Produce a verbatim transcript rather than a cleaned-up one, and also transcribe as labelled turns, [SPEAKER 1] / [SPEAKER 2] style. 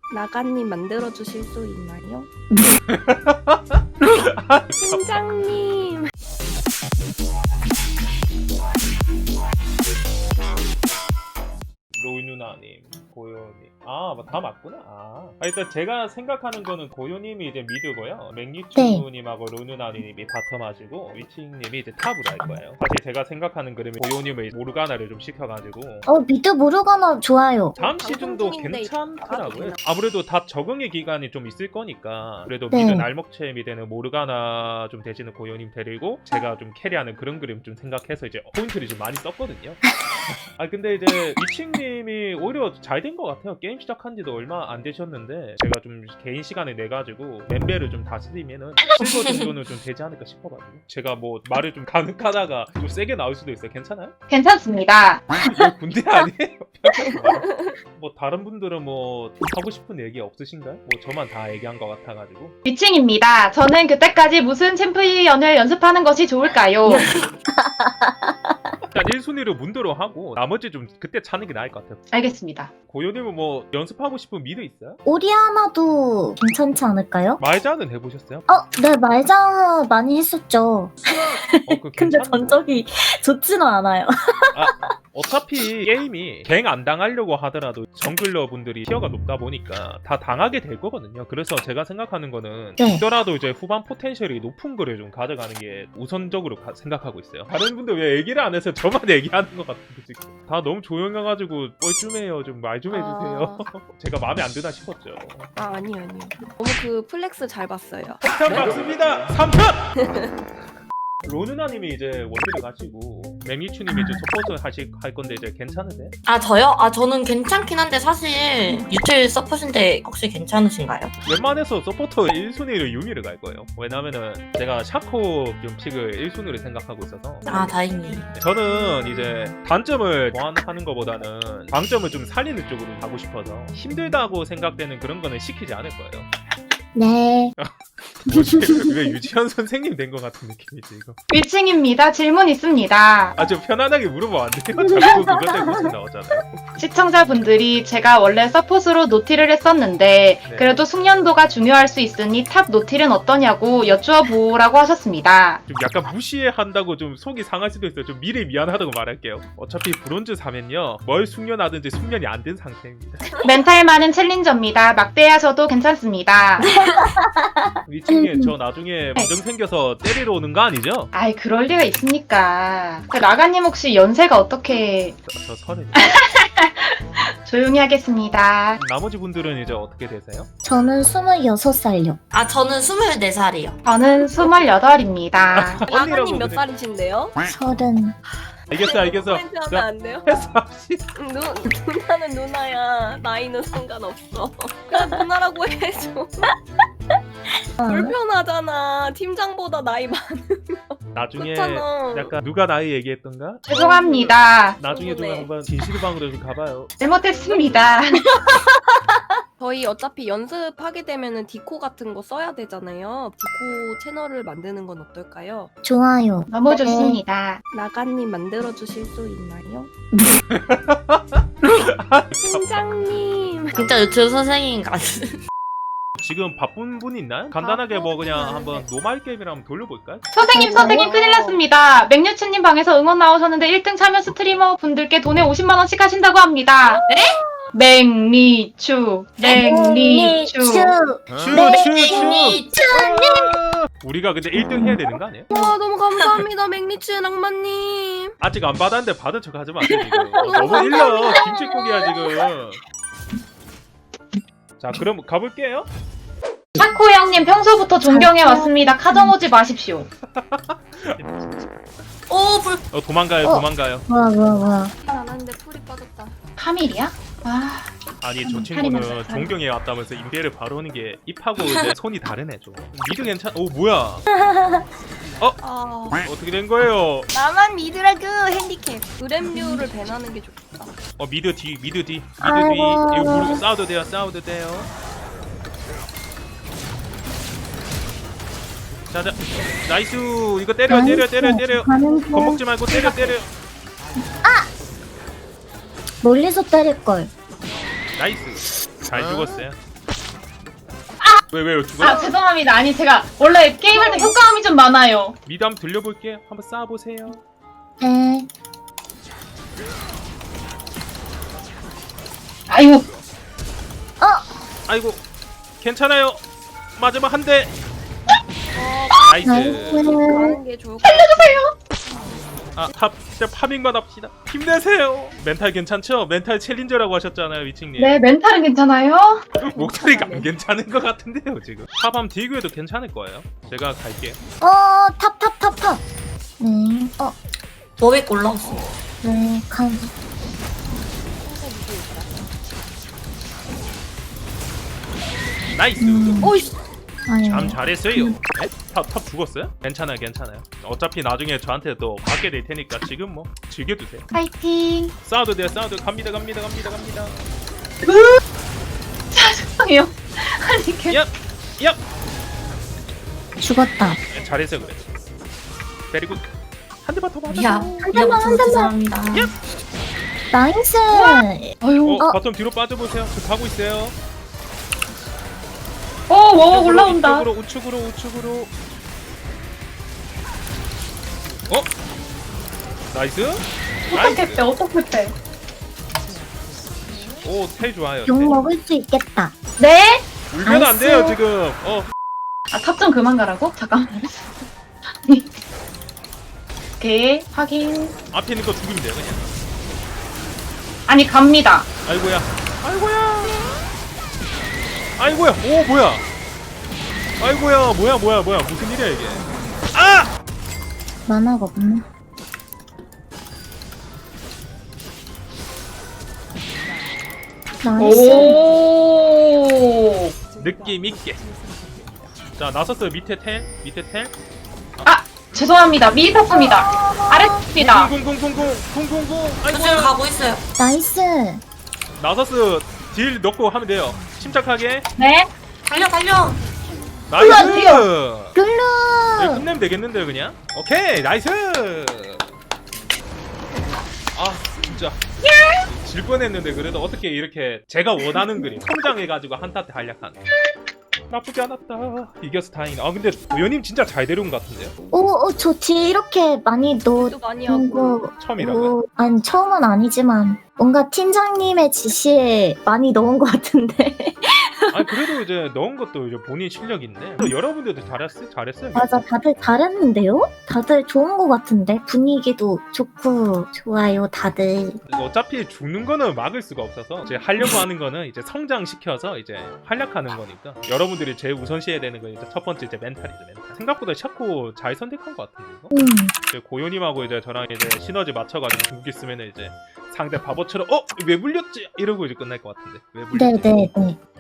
[SPEAKER 1] 나가님 만들어 주실 수 있나요? 팀장님.
[SPEAKER 2] 로이 누나님, 고요님. 아, 다 맞구나. 아, 아, 일단 제가 생각하는 거는 고요님이 이제 미드고요. 맥니추님하고 로이 누나님이 바텀하시고 위칭님이 이제 탑으로 할 거예요. 사실 제가 생각하는 그림은 고요님을 모르가나를 좀 시켜가지고.
[SPEAKER 3] 어, 미드 모르가나 좋아요.
[SPEAKER 2] 다음 시즌도
[SPEAKER 1] 방송 중인데
[SPEAKER 2] 괜찮더라고요.
[SPEAKER 1] 되나?
[SPEAKER 2] 아무래도 다 적응의 기간이 좀 있을 거니까 그래도
[SPEAKER 3] 네.
[SPEAKER 2] 미드 날먹체미 되는 모르가나 좀 되시는 고요님 데리고 제가 좀 캐리하는 그런 그림 좀 생각해서 이제 포인트를 좀 많이 썼거든요. 아 근데 이제 위칭님이 오히려 잘 된 것 같아요. 게임 시작한 지도 얼마 안 되셨는데 제가 좀 개인 시간을 내가지고 멤베를 좀 다스리면은 실버 정도는 좀 되지 않을까 싶어가지고 제가 뭐 말을 좀 가능하다가 좀 세게 나올 수도 있어요. 괜찮아요?
[SPEAKER 4] 괜찮습니다.
[SPEAKER 2] 이거 군대 아니에요? 뭐 다른 분들은 뭐 하고 싶은 얘기 없으신가요? 뭐 저만 다 얘기한 것 같아가지고.
[SPEAKER 4] 위층입니다. 저는 그때까지 무슨 챔피언을 연습하는 것이 좋을까요?
[SPEAKER 2] 일단 일 순위로 문도로 하고 나머지 좀 그때 차는 게 나을 것 같아요.
[SPEAKER 4] 알겠습니다.
[SPEAKER 2] 고요님은 뭐 연습하고 싶은 미드 있어요?
[SPEAKER 3] 오리아나도 괜찮지 않을까요?
[SPEAKER 2] 말자는 해보셨어요?
[SPEAKER 3] 어, 네, 말자 많이 했었죠.
[SPEAKER 2] 어, 그
[SPEAKER 3] 근데
[SPEAKER 2] 괜찮은데?
[SPEAKER 3] 전적이 좋지는 않아요.
[SPEAKER 2] 아, 어차피 게임이 갱 안 당하려고 하더라도 정글러 분들이 티어가 높다 보니까 다 당하게 될 거거든요. 그래서 제가 생각하는 거는
[SPEAKER 3] 네.
[SPEAKER 2] 있더라도 이제 후반 포텐셜이 높은 거를 좀 가져가는 게 우선적으로 가- 생각하고 있어요. 다른 분들 왜 얘기를 안 해서 저만 얘기하는 것 같은데 지금 다 너무 조용해가지고 뻘쭘해요. 좀 말 좀 해주세요. 제가 마음에 안 드나 싶었죠.
[SPEAKER 1] 아 아니요 아니요. 너무 그 플렉스 잘 봤어요.
[SPEAKER 2] 폭탄 맞습니다. 삼 편! 로누나님이 이제 원딜을 가시고 맥니추님이 이제 서포트 하실 할 건데 이제 괜찮으세요?
[SPEAKER 5] 아 저요? 아 저는 괜찮긴 한데 사실 유틸 서폿인데 혹시 괜찮으신가요?
[SPEAKER 2] 웬만해서 서포터 일 순위로 유미를 갈 거예요. 왜냐면은 제가 샤코 좀 픽을 일 순위로 생각하고 있어서
[SPEAKER 5] 아 다행히.
[SPEAKER 2] 저는 이제 단점을 보완하는 것보다는 강점을 좀 살리는 쪽으로 가고 싶어서 힘들다고 생각되는 그런 거는 시키지 않을 거예요.
[SPEAKER 3] 네.
[SPEAKER 2] 뭐지? 왜 유지현 선생님 된 것 같은 느낌이지 이거.
[SPEAKER 4] 위층입니다. 질문 있습니다.
[SPEAKER 2] 아주 편안하게 물어보면 안 돼요? 자꾸 그것 때문에 웃음 나오잖아요.
[SPEAKER 4] 시청자분들이 제가 원래 서폿으로 노틸을 했었는데
[SPEAKER 2] 네.
[SPEAKER 4] 그래도 숙련도가 중요할 수 있으니 탑 노틸은 어떠냐고 여쭈어 보라고 하셨습니다.
[SPEAKER 2] 좀 약간 무시한다고 좀 속이 상할 수도 있어요. 좀 미리 미안하다고 말할게요. 어차피 브론즈 사면요 뭘 숙련하든지 숙련이 안 된 상태입니다.
[SPEAKER 4] 멘탈 많은 챌린저입니다. 막대하셔도 괜찮습니다.
[SPEAKER 2] 위층에 저 나중에 무정 생겨서 때리러 오는 거 아니죠?
[SPEAKER 4] 아이 그럴 리가 있습니까? 그 라가님 혹시 연세가 어떻게
[SPEAKER 2] 저, 저 서른.
[SPEAKER 4] 조용히 하겠습니다.
[SPEAKER 2] 나머지 분들은 이제 어떻게 되세요?
[SPEAKER 3] 저는 스물여섯 살요.
[SPEAKER 5] 아 저는 스물네 살이요.
[SPEAKER 4] 저는 스물여덟입니다.
[SPEAKER 1] 나가님 몇
[SPEAKER 2] 그래.
[SPEAKER 1] 살이신데요?
[SPEAKER 3] 서른.
[SPEAKER 2] 알겠어 알겠어.
[SPEAKER 1] 코멘트 하면
[SPEAKER 2] 자
[SPEAKER 1] 안 돼요?
[SPEAKER 2] 패스 합시다.
[SPEAKER 1] 응, 누, 누나는 누나야. 나이는 상관없어. 그냥 누나라고 해줘. 불편하잖아. 팀장보다 나이 많으면.
[SPEAKER 2] 나중에
[SPEAKER 1] 그렇잖아.
[SPEAKER 2] 약간 누가 나이 얘기했던가?
[SPEAKER 4] 죄송합니다.
[SPEAKER 2] 나중에 좀
[SPEAKER 1] 궁금해.
[SPEAKER 2] 한번 진실방으로 좀 가봐요.
[SPEAKER 4] 잘못했습니다.
[SPEAKER 1] 저희 어차피 연습하게 되면은 디코 같은 거 써야 되잖아요. 디코 채널을 만드는 건 어떨까요?
[SPEAKER 3] 좋아요.
[SPEAKER 4] 너무
[SPEAKER 3] 네.
[SPEAKER 4] 좋습니다.
[SPEAKER 1] 나가님 만들어 주실 수 있나요? 팀장님.
[SPEAKER 5] 진짜 유틸 선생님 같은.
[SPEAKER 2] 지금 바쁜 분 있나요? 간단하게 뭐 그냥 한번 노말 게임이랑 한번 돌려볼까요?
[SPEAKER 4] 선생님 선생님 큰일 났습니다. 맥뉴츠님 방에서 응원 나오셨는데 일 등 참여 스트리머 분들께 돈에 오십만 원씩 하신다고 합니다. 네? 맥니추 맥니추
[SPEAKER 2] 슈슈슈 우리가 근데 일 등 해야 되는 거 아니에요?
[SPEAKER 1] 와 너무 감사합니다 맥니츠 낭만님.
[SPEAKER 2] 아직 안 받았는데 받은 척 하지 마세요 지금. 어, 너무 일러 김치국이야 지금. 자 그럼 가볼게요.
[SPEAKER 4] 샤코 형님 평소부터 존경해 왔습니다. 카정 오지 마십시오.
[SPEAKER 5] 오 불.
[SPEAKER 2] 어 도망가요
[SPEAKER 3] 어.
[SPEAKER 2] 도망가요.
[SPEAKER 3] 뭐야, 뭐야, 뭐야.
[SPEAKER 1] 안 하는데 풀이 빠졌다.
[SPEAKER 4] 파밀이야? 아
[SPEAKER 2] 아니 저
[SPEAKER 4] 음,
[SPEAKER 2] 친구는
[SPEAKER 4] 살인마다.
[SPEAKER 2] 존경해 왔다면서 임대를 바로 오는 게 입하고 이제 손이 다르네 좀. 미드 괜찮? 오 뭐야?
[SPEAKER 1] 아
[SPEAKER 2] 어떻게 된 거예요?
[SPEAKER 1] 나만 미드라그 핸디캡. 그램류를 배나는 게 좋겠다.
[SPEAKER 2] 어 미드 뒤 미드 뒤 미드 뒤
[SPEAKER 3] 아이고.
[SPEAKER 2] 이거 모르고 싸워도 돼요 싸워도 돼요. 자자 나이스 이거 때려 때려 때려 때려
[SPEAKER 3] 가는 중.
[SPEAKER 2] 겁먹지 말고 때려 때려.
[SPEAKER 3] 멀리서 때릴걸.
[SPEAKER 2] 나이스 잘 죽었어요. 왜 왜요? 죽어?
[SPEAKER 4] 아 죄송합니다. 아니 제가 원래 게임할 때 효과음이 좀 많아요.
[SPEAKER 2] 미드 한번 들려볼게요. 한번 쏴보세요.
[SPEAKER 3] 네.
[SPEAKER 4] 아이고
[SPEAKER 2] 아이고 괜찮아요. 마지막 한 대. 나이스.
[SPEAKER 3] 나이스.
[SPEAKER 1] 가는 게 좋을 것 같아요.
[SPEAKER 2] 아탑 진짜 파밍만 합시다. 힘내세요. 멘탈 괜찮죠? 멘탈 챌린저라고 하셨잖아요, 위칭님.
[SPEAKER 4] 네 멘탈은 괜찮아요?
[SPEAKER 2] 목소리가 안 괜찮은 것 같은데요 지금. 탑함 디그에도 괜찮을 거예요. 제가 갈게요.
[SPEAKER 3] 어, 탑, 탑, 탑, 탑. 네. 어,
[SPEAKER 5] 워윅 올라왔어.
[SPEAKER 3] 네. 감.
[SPEAKER 2] 나이스.
[SPEAKER 3] 음.
[SPEAKER 5] 오이씨.
[SPEAKER 3] 아유.
[SPEAKER 2] 참 잘했어요. 네? 탑, 탑 죽었어요? 괜찮아요, 괜찮아요. 어차피 나중에 저한테 또 받게 될 테니까 지금 뭐 즐겨두세요.
[SPEAKER 4] 파이팅.
[SPEAKER 2] 싸워도 돼요, 싸워도 갑니다, 갑니다, 갑니다, 갑니다.
[SPEAKER 4] 죄송해요. 아니 개.
[SPEAKER 2] 야, 야.
[SPEAKER 3] 죽었다.
[SPEAKER 2] 네, 잘했어요, 그래. 베리고 한 대만 더 맞아.
[SPEAKER 5] 야,
[SPEAKER 3] 한 대만, 한
[SPEAKER 5] 이제부터
[SPEAKER 3] 대만.
[SPEAKER 5] 죄송합니다.
[SPEAKER 3] 나이스.
[SPEAKER 4] 아유.
[SPEAKER 2] 어,
[SPEAKER 3] 어.
[SPEAKER 2] 바텀 뒤로 빠져보세요. 저 가고 있어요.
[SPEAKER 4] 어 워워
[SPEAKER 2] 이쪽으로,
[SPEAKER 4] 올라온다.
[SPEAKER 2] 이쪽으로, 우측으로, 우측으로. 어? 나이스.
[SPEAKER 4] 어떻게 빼? 어떻게 빼?
[SPEAKER 2] 오, 텔 좋아요.
[SPEAKER 3] 욕
[SPEAKER 2] 텔.
[SPEAKER 3] 먹을 수 있겠다.
[SPEAKER 4] 네?
[SPEAKER 2] 울면 안 돼요
[SPEAKER 3] 나이스.
[SPEAKER 2] 지금. 어,
[SPEAKER 4] 아 탑 좀 그만 가라고? 잠깐만. 오케이 확인.
[SPEAKER 2] 앞에 있는 거 죽이면 돼요 그냥.
[SPEAKER 4] 아니 갑니다.
[SPEAKER 2] 아이고야. 아이고야. 아이고야. 오 뭐야. 아이고야. 뭐야 뭐야 뭐야. 무슨 일이야 이게. 아!
[SPEAKER 3] 만화가 없네. 나이스.
[SPEAKER 4] 오.
[SPEAKER 2] 느낌 있게. 자 나섰어. 밑에 텔. 밑에 텔.
[SPEAKER 4] 아 죄송합니다. 미리 탔습니다. 아랫입니다.
[SPEAKER 2] 쿵쿵쿵쿵쿵 쿵쿵쿵.
[SPEAKER 5] 저 지금
[SPEAKER 2] 아이고야.
[SPEAKER 5] 가고 있어요.
[SPEAKER 3] 나이스.
[SPEAKER 2] 나섰어. 딜 넣고 하면 돼요. 침착하게.
[SPEAKER 4] 네.
[SPEAKER 5] 달려, 달려.
[SPEAKER 2] 나이스.
[SPEAKER 3] 글루.
[SPEAKER 2] 네, 끝내면 되겠는데요 그냥. 오케이 나이스. 아 진짜 질 뻔했는데 그래도 어떻게 이렇게 제가 원하는 그림 성장해가지고 한타한테 한약하네. 나쁘지 않았다. 이겨서 다행이다. 아 근데 도현님 진짜 잘 데려온 것 같은데요?
[SPEAKER 3] 오, 오, 저 뒤에 이렇게 많이 넣어.
[SPEAKER 1] 또 많이 하고.
[SPEAKER 3] 거.
[SPEAKER 2] 처음이라고요?
[SPEAKER 3] 오, 아니 처음은 아니지만 뭔가 팀장님의 지시에 많이 넣은 것 같은데.
[SPEAKER 2] 아니 그래도 이제 넣은 것도 이제 본인 실력인데 또 여러분들도 잘했어요? 잘했어요?
[SPEAKER 3] 맞아, 다들 잘했는데요? 다들 좋은 것 같은데 분위기도 좋고 좋아요, 다들.
[SPEAKER 2] 어차피 죽는 거는 막을 수가 없어서 이제 하려고 하는 거는 이제 성장시켜서 이제 활약하는 거니까 여러분들이 제일 우선시해야 되는 건 이제 첫 번째 이제 멘탈이죠 멘탈. 생각보다 샤코 잘 선택한 것 같은데 이거?
[SPEAKER 3] 음,
[SPEAKER 2] 이제 고요님하고 이제 저랑 이제 시너지 맞춰가지고 궁극기 쓰면은 이제 상대 바보처럼 어? 왜 물렸지? 이러고 이제 끝날 것 같은데 왜 물렸지?
[SPEAKER 3] 네네네.